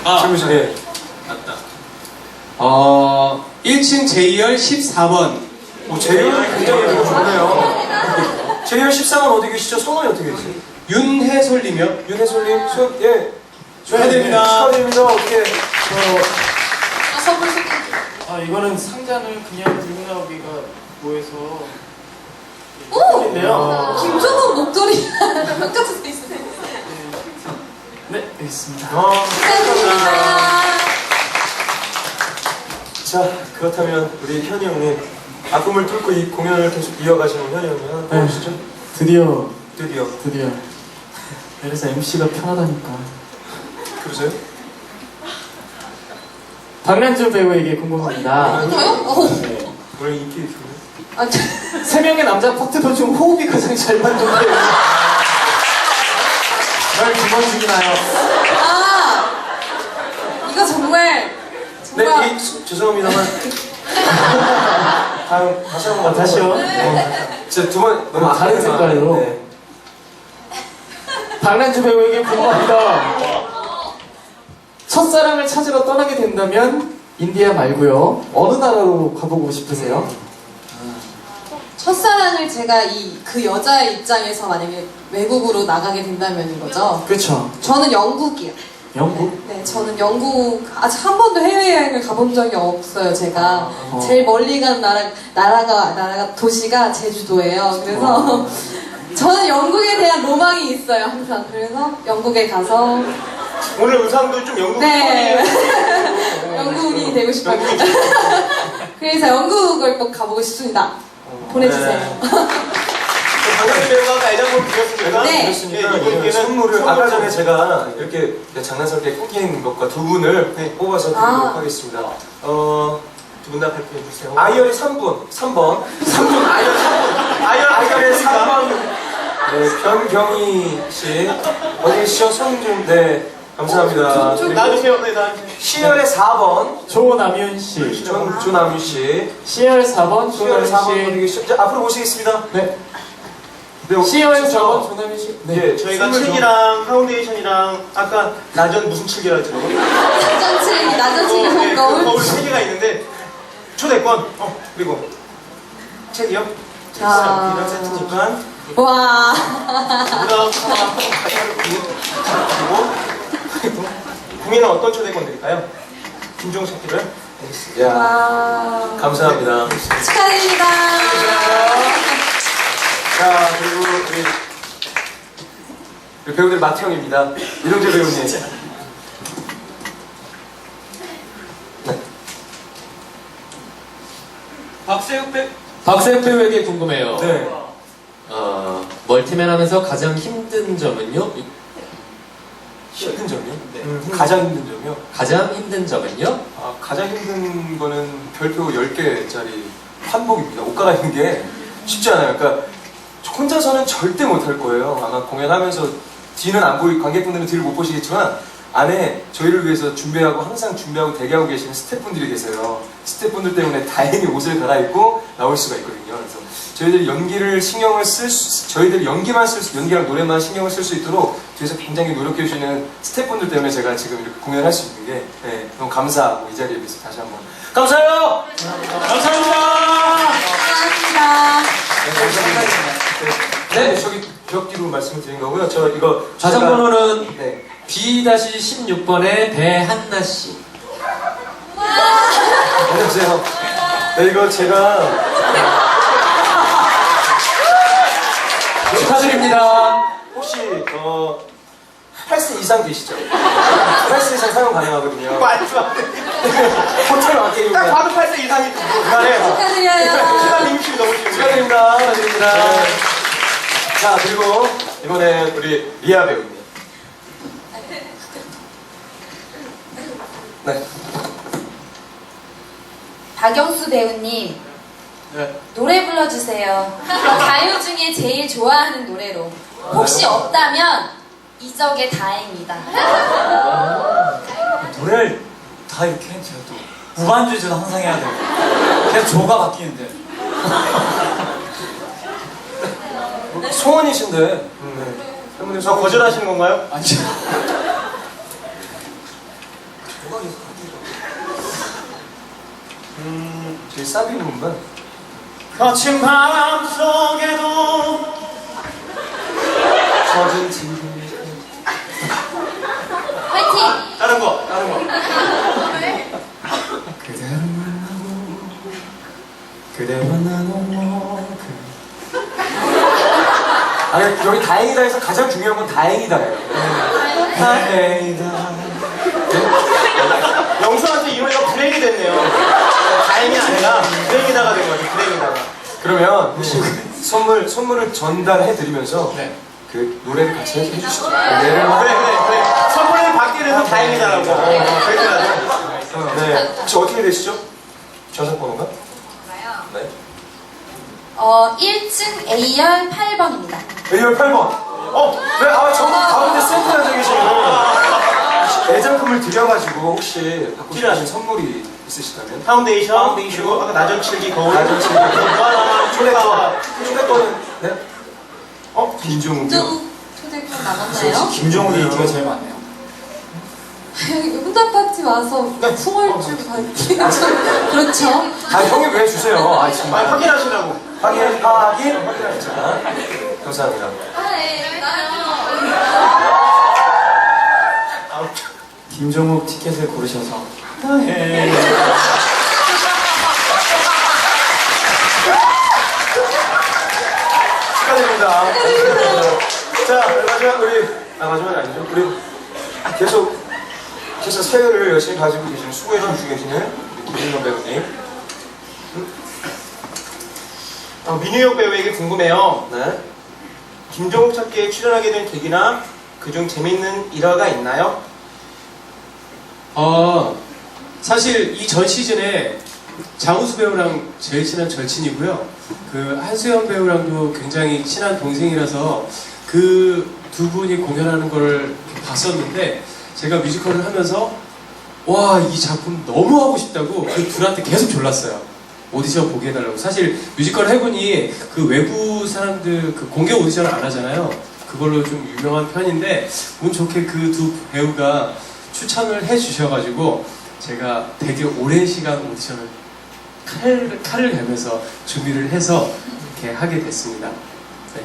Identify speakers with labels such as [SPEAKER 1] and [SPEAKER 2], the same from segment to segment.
[SPEAKER 1] 주무시네.
[SPEAKER 2] 맞다.
[SPEAKER 3] 1층 제이열 14번.
[SPEAKER 1] 제이열 굉장히 좋네요. 제이열 14번 어디 계시죠? 성함이 어떻게 되세요?
[SPEAKER 3] 윤해솔님이요?
[SPEAKER 1] 윤혜솔님, 예.
[SPEAKER 3] 축하드립니다.
[SPEAKER 1] 축하드립니다. 어떻게,
[SPEAKER 4] 선물 소개.
[SPEAKER 2] 이거는 상자는 그냥 들고 나오기가 뭐해서.
[SPEAKER 4] 오!
[SPEAKER 2] 인데요.
[SPEAKER 4] 김종국 목도리 똑같이 돼 있어요.
[SPEAKER 2] 네, 여기 있습니다.
[SPEAKER 4] 축하드립니다.
[SPEAKER 1] 자, 그렇다면 우리 현이 형님, 아픔을 뚫고 이 공연을 계속 이어가시는 현이 형님 하나 보여주시죠?
[SPEAKER 2] 드디어. 그래서 MC가 편하다니까.
[SPEAKER 1] 그러세요?
[SPEAKER 2] 박란주 배우에게 궁금합니다.
[SPEAKER 4] 저요?
[SPEAKER 2] 네.
[SPEAKER 1] 원래 인기 있어요?
[SPEAKER 4] 아,
[SPEAKER 2] 세 명의 남자 파트너 중 호흡이 가장 잘 맞는데 널 두 번 죽이나요?
[SPEAKER 4] 이거 정말
[SPEAKER 1] 네, 죄송합니다만. 다시 한번
[SPEAKER 2] 다시요?
[SPEAKER 1] 진짜 두 번 너무
[SPEAKER 2] 다른 색깔로.
[SPEAKER 1] 네.
[SPEAKER 2] 박란주 배우에게 궁금합니다. 첫사랑을 찾으러 떠나게 된다면 인디아 말고요. 어느 나라로 가보고 싶으세요?
[SPEAKER 4] 첫사랑을 제가 그 여자의 입장에서 만약에 외국으로 나가게 된다면인 거죠.
[SPEAKER 2] 그렇죠.
[SPEAKER 4] 저는 영국이요.
[SPEAKER 2] 영국?
[SPEAKER 4] 네, 저는 영국 아직 한 번도 해외여행을 가본 적이 없어요. 제가 제일 멀리 간 나라가 도시가 제주도예요. 그래서 저는 영국에 대한 로망이 있어요, 항상. 그래서 영국에 가서
[SPEAKER 1] 오늘 의상도 좀 영국
[SPEAKER 4] 네, 영국이 되고 싶어요. 그래서 영국을 꼭 가보고 싶습니다. 보내주세요.
[SPEAKER 1] 박란주 배우가 아까 애장품 드렸습니까?
[SPEAKER 4] 네.
[SPEAKER 1] 드렸으니까 이분께는 선물을 아까 전에 제가 이렇게 장난스럽게 꽂힌 것과 두 분을 뽑아서 드리도록 하겠습니다. 두 분 다 발표해 주세요. 아이열의 3번. 아이열의 3번. 네, 변경희 씨. 어디 계시죠? 손 좀, 네. 감사합니다.
[SPEAKER 2] 나와주세요. 네, 나와주세요.
[SPEAKER 1] 시열의 4번.
[SPEAKER 2] 조남윤 씨.
[SPEAKER 1] 조남유 씨.
[SPEAKER 2] CR 4번
[SPEAKER 1] 시열의 4번
[SPEAKER 2] 조남윤
[SPEAKER 1] 어디
[SPEAKER 2] 씨.
[SPEAKER 1] 계시죠? 자, 앞으로 모시겠습니다.
[SPEAKER 2] 네.
[SPEAKER 1] 네,
[SPEAKER 2] CR
[SPEAKER 1] 진짜.
[SPEAKER 2] 4번 조남윤 씨.
[SPEAKER 1] 네,
[SPEAKER 5] 저희가
[SPEAKER 1] 선물 좀-
[SPEAKER 5] 책이랑 파운데이션이랑 아까 나전 무슨 책이라 했죠?
[SPEAKER 4] 나전칠기
[SPEAKER 5] 네,
[SPEAKER 4] 거울.
[SPEAKER 5] 거울 3개가 있는데 초대권 그리고 책이요?
[SPEAKER 4] 자.
[SPEAKER 5] 이런 세트니까
[SPEAKER 4] 와.
[SPEAKER 5] 그다음 그리고 국민은 어떤 초대권 드릴까요? 김종석 씨를
[SPEAKER 1] 야,
[SPEAKER 4] 와.
[SPEAKER 1] 감사합니다.
[SPEAKER 4] 축하드립니다.
[SPEAKER 1] 자, 그리고 우리 배우들 마태형입니다. 이동재 배우님. 네.
[SPEAKER 3] 박세욱 배우에게 궁금해요.
[SPEAKER 1] 네.
[SPEAKER 3] 멀티맨 하면서 가장 힘든 점은요?
[SPEAKER 1] 힘든 점이요? 가장 힘든 점이요?
[SPEAKER 3] 가장 힘든 점은요?
[SPEAKER 1] 가장 힘든 거는 별표 10개짜리 환복입니다. 옷 갈아입는 게 쉽지 않아요. 그러니까 혼자서는 절대 못 할 거예요. 아마 공연하면서 뒤는 안 보이, 관객분들은 뒤를 못 보시겠지만 안에 저희를 위해서 항상 준비하고 대기하고 계시는 스태프분들이 계세요. 스태프분들 때문에 다행히 옷을 갈아입고 나올 수가 있거든요. 그래서 저희들이 연기랑 노래만 신경을 쓸 수 있도록 뒤에서 굉장히 노력해 주시는 스태프분들 때문에 제가 지금 이렇게 공연할 수 있는 게 너무 감사하고 이 자리에 비해서 다시 한번 감사해요!
[SPEAKER 3] 감사합니다.
[SPEAKER 4] 고맙습니다.
[SPEAKER 1] 네, 저기 벽 뒤로 말씀을 드린 거고요. 저 이거
[SPEAKER 3] 좌상번호는
[SPEAKER 1] 네.
[SPEAKER 3] B-16번의 배한나 씨.
[SPEAKER 1] 안녕하세요. 네, 이거 제가
[SPEAKER 3] 축하드립니다.
[SPEAKER 1] 혹시 8세 이상 되시죠? 8세 이상 사용 가능하거든요.
[SPEAKER 5] 말도 안 돼.
[SPEAKER 1] 호텔 마케팅.
[SPEAKER 5] 딱 봐도 8세 이상이 그만해.
[SPEAKER 4] 축하드려요.
[SPEAKER 5] 시간 임시 너무 심해.
[SPEAKER 1] 축하드립니다. 자, 그리고 이번에 우리 리아 배우님. 네.
[SPEAKER 6] 박영수 배우님,
[SPEAKER 5] 네.
[SPEAKER 6] 노래 불러주세요. 가요 중에 제일 좋아하는 노래로. 혹시 없다면 이적의 다행이다.
[SPEAKER 7] 노래를 다 이렇게 제가 또 무반주제도 항상 해야 돼요. 계속 조가 바뀌는데.
[SPEAKER 1] 소원이신데. 네.
[SPEAKER 5] 저 거절하시는 건가요?
[SPEAKER 7] 아니죠.
[SPEAKER 1] 저희 사비 부분만.
[SPEAKER 5] 거친 바람 속에도
[SPEAKER 1] 젖은 TV.
[SPEAKER 6] 화이팅!
[SPEAKER 5] 다른 거.
[SPEAKER 1] 그대를 만나고 그대와 나눠 아니 여기 다행이다에서 가장 중요한 건 다행이다예요. 다행이다.
[SPEAKER 5] 영수한테 이 노래가 불행이 됐네요. 다행이 아니라 불행이다가 된 거죠. 불행이다가.
[SPEAKER 1] 그러면 혹시 선물을 전달해 드리면서
[SPEAKER 5] 네.
[SPEAKER 1] 그 노래를 같이 해주시죠.
[SPEAKER 5] 그래. 선물을 받게 돼서 다행이다라고. 그렇게 하죠.
[SPEAKER 1] 네. 혹시 어떻게 되시죠? 좌석번호가? 네.
[SPEAKER 6] 1층 A열 8번입니다.
[SPEAKER 1] A열 8번. 네, 저기 가운데 센터 앉아 계시는 애장품을 드려가지고 혹시 받고 싶으신 선물이 있으시다면?
[SPEAKER 5] 파운데이션, 그리고 아까 나전칠기 거울.
[SPEAKER 1] 나전칠기.
[SPEAKER 5] 뭐 하나, 초대권.
[SPEAKER 1] 초대권은 네? 김종욱이요?
[SPEAKER 4] 초대권 남았나요?
[SPEAKER 7] 김종욱이 인기가 제일 많네요.
[SPEAKER 4] 여기 응답 파티 와서 풍월주 받기는 좀 그렇죠.
[SPEAKER 1] 형님 왜 주세요? 정말.
[SPEAKER 5] 확인하시라고.
[SPEAKER 1] 확인. 자, 감사합니다.
[SPEAKER 7] 김종욱 티켓을 고르셔서.
[SPEAKER 1] 축하드립니다. 자, 마지막이 아니죠. 우리 계속 세월을 열심히 가지고 계시는, 수고해주시고 계시는 김민호 배우님.
[SPEAKER 5] 민우혁 배우에게 궁금해요.
[SPEAKER 1] 네.
[SPEAKER 5] 김종욱 찾기에 출연하게 된 계기나 그중 재밌는 일화가 있나요?
[SPEAKER 2] 사실 이 전 시즌에 장우수 배우랑 제일 친한 절친이고요. 그 한수연 배우랑도 굉장히 친한 동생이라서 그 두 분이 공연하는 걸 봤었는데 제가 뮤지컬을 하면서 와, 이 작품 너무 하고 싶다고 그 둘한테 계속 졸랐어요. 오디션 보게 해달라고. 사실 뮤지컬 해군이 그 외부 사람들 그 공개 오디션을 안 하잖아요. 그걸로 좀 유명한 편인데 운 좋게 그 두 배우가 추천을 해주셔가지고 제가 되게 오랜 시간 오디션을 칼을 내면서 준비를 해서 이렇게 하게 됐습니다. 네.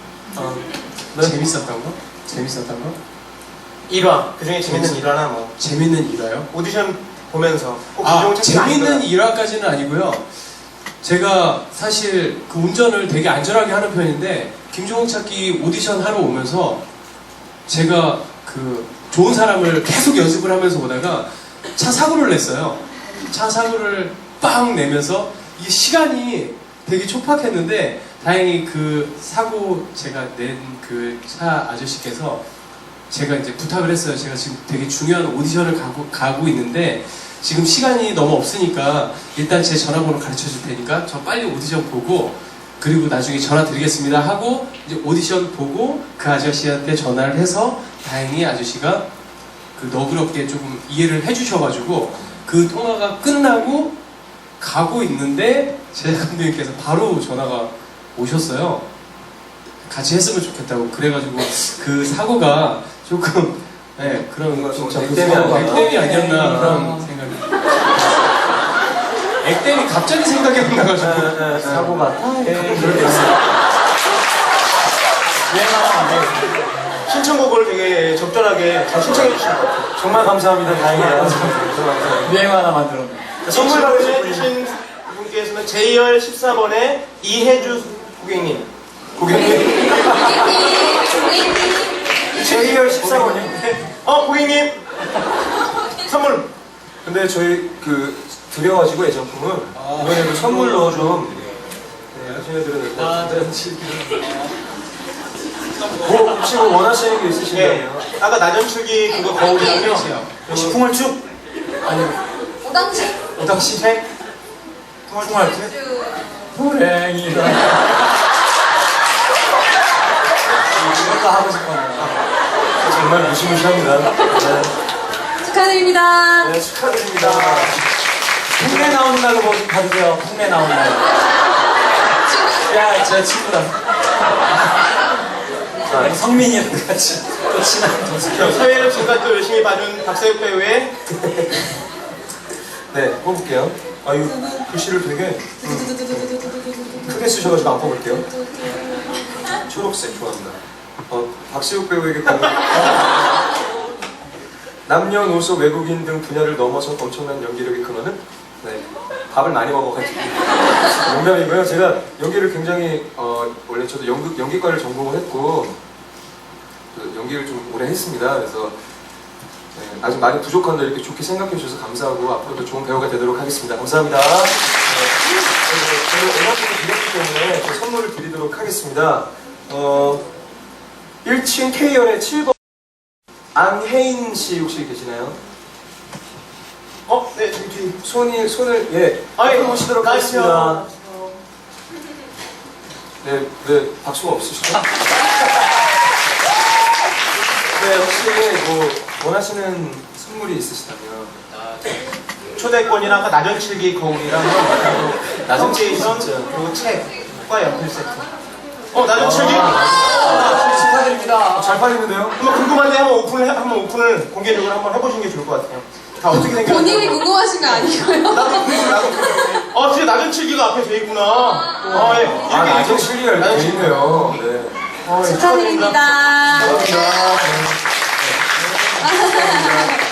[SPEAKER 2] 재밌었던 거? 재밌었던 거?
[SPEAKER 5] 일화. 그중에 재밌는 일화나 뭐.
[SPEAKER 2] 재밌는 일화요?
[SPEAKER 5] 오디션 보면서 꼭 김종욱 찾기
[SPEAKER 2] 재밌는 일화까지는 아니고요. 제가 사실 그 운전을 되게 안전하게 하는 편인데 김종욱 찾기 오디션 하러 오면서 제가 그 좋은 사람을 계속 연습을 하면서 오다가 차 사고를 냈어요. 차 사고를 빵 내면서 이게 시간이 되게 촉박했는데 다행히 그 사고 제가 낸 그 차 아저씨께서 제가 이제 부탁을 했어요. 제가 지금 되게 중요한 오디션을 가고 있는데 지금 시간이 너무 없으니까 일단 제 전화번호 가르쳐 줄 테니까 저 빨리 오디션 보고 그리고 나중에 전화 드리겠습니다 하고 이제 오디션 보고 그 아저씨한테 전화를 해서 다행히 아저씨가 그 너그럽게 조금 이해를 해주셔가지고 그 통화가 끝나고 가고 있는데 제작 감독님께서 바로 전화가 오셨어요. 같이 했으면 좋겠다고. 그래가지고 그 사고가 조금 그런 액땜이 아니었나 그런 생각이. 액땜이 갑자기 생각이 안 나가지고
[SPEAKER 1] 사고가.
[SPEAKER 5] 신청곡을 되게 적절하게 잘 신청해 주신 것 같아요.
[SPEAKER 1] 정말 감사합니다. 다행이다.
[SPEAKER 7] 유행 하나 만들었네.
[SPEAKER 5] 선물 받으신 분께서는 J열 14번에 이혜주 고객님.
[SPEAKER 1] 고객님. J열 14번이요?
[SPEAKER 5] 고객님! 선물!
[SPEAKER 1] 근데 저희 드려가지고 애정품을 이번에도 선물로 좀 해드려야 될 것 같은데. 혹시 원하시는 게 있으신가요?
[SPEAKER 5] 아까 나전출기 그거 거울이랑요.
[SPEAKER 7] 혹시 풍월축?
[SPEAKER 6] 오당식?
[SPEAKER 1] 오당시
[SPEAKER 5] 책?
[SPEAKER 7] 풍월축? 불행이다. 이것도 하고 싶었네요.
[SPEAKER 1] 정말 무시무시합니다. 네.
[SPEAKER 4] 축하드립니다.
[SPEAKER 1] 네, 축하드립니다.
[SPEAKER 7] 흉내 나온다고 받으세요. 흉내 나온다고. 야, 제 친구다. 성민이랑 같이. 또 친한 동생.
[SPEAKER 5] 사회를 지금까지 또 열심히 봐준 박세욱 배우의
[SPEAKER 1] 네, 뽑을게요. 아유, 글씨를 되게 크게 쓰셔가지고 안 뽑을게요. 초록색 좋아합니다. 박세욱 배우에게 공연. 남녀노소 외국인 등 분야를 넘어서 엄청난 연기력의 근원은? 네, 밥을 많이 먹어가지고. 농담이고요. 제가 연기를 굉장히, 원래 저도 연기과를 전공을 했고, 연기를 좀 오래 했습니다. 그래서 네, 아직 많이 부족한데 이렇게 좋게 생각해 주셔서 감사하고 앞으로도 좋은 배우가 되도록 하겠습니다. 감사합니다. 저는 음악을 드렸기 때문에 저 선물을 드리도록 하겠습니다. 1층 K열의 7번 안혜인 씨 혹시 계시나요?
[SPEAKER 5] 네, 저기 뒤.
[SPEAKER 1] 손을 예 앞으로 오시도록 하겠습니다. 네, 박수가 없으시죠? 네, 혹시 뭐 원하시는 선물이 있으시다면
[SPEAKER 5] 초대권이랑 아까 나전칠기 거울이랑
[SPEAKER 1] 나전칠기 진짜.
[SPEAKER 5] 그리고 책과 연필 세트. 나전칠기?
[SPEAKER 7] 축하드립니다.
[SPEAKER 1] 잘 팔리는데요?
[SPEAKER 5] 한번 궁금한데 한번 오픈을 공개적으로 한번 해보시는 게 좋을 것 같아요. 다 어떻게 생겼는지.
[SPEAKER 4] 본인이 궁금하신 거 아니고요?
[SPEAKER 5] 나도 진짜 나전칠기가 앞에 돼 있구나. 예. 이렇게
[SPEAKER 1] 나전 실리가 이렇게 돼 있네요. 네.
[SPEAKER 4] 축하드립니다.
[SPEAKER 1] 감사합니다. 네.